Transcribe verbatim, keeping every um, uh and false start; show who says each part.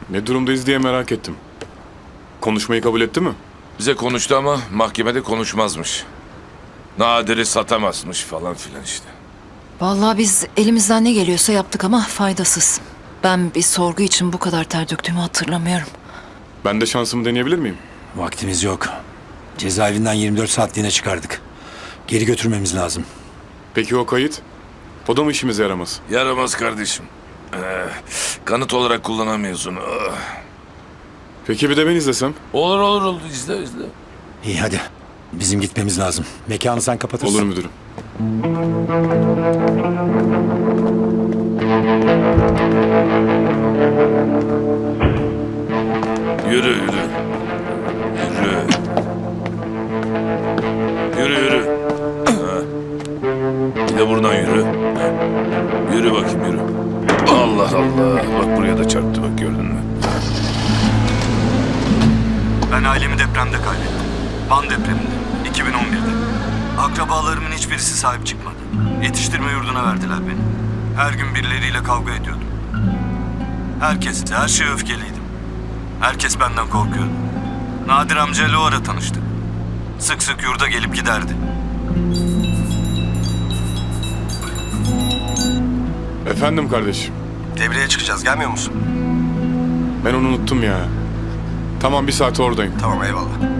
Speaker 1: Ne durumdayız diye merak ettim. Konuşmayı kabul etti mi?
Speaker 2: Bize konuştu ama mahkemede konuşmazmış. Nadir'i satamazmış falan filan işte.
Speaker 3: Vallahi biz elimizden ne geliyorsa yaptık ama faydasız. Ben bir sorgu için bu kadar ter döktüğümü hatırlamıyorum.
Speaker 1: Ben de şansımı deneyebilir miyim?
Speaker 4: Vaktimiz yok. Cezaevinden yirmi dört saatliğine çıkardık. Geri götürmemiz lazım.
Speaker 1: Peki o kayıt? O da mı işimize yaramaz?
Speaker 2: Yaramaz kardeşim. Ee, kanıt olarak kullanamıyorsun. Ah.
Speaker 1: Peki bir de ben izlesem?
Speaker 2: Olur olur olur izle izle.
Speaker 4: İyi hadi. Bizim gitmemiz lazım. Mekanı sen kapatırsın.
Speaker 1: Olur müdürüm.
Speaker 2: Yürü yürü. Yürü. Yürü yürü. Ha. Bir de buradan yürü. Ha. Yürü bakayım yürü. Allah Allah. Bak buraya da çarptı bak gördün mü?
Speaker 5: Ben ailemi depremde kaybettim. Van depreminde, iki bin on birde. Akrabalarımın hiçbirisi sahip çıkmadı. Yetiştirme yurduna verdiler beni. Her gün birileriyle kavga ediyordum. Herkes, her şeye öfkeliydim. Herkes benden korkuyordu. Nadir amcayla o ara tanıştık. Sık sık yurda gelip giderdi.
Speaker 1: Efendim kardeşim.
Speaker 5: Devreye çıkacağız, gelmiyor musun?
Speaker 1: Ben onu unuttum ya. Tamam bir saat oradayım.
Speaker 5: Tamam, eyvallah.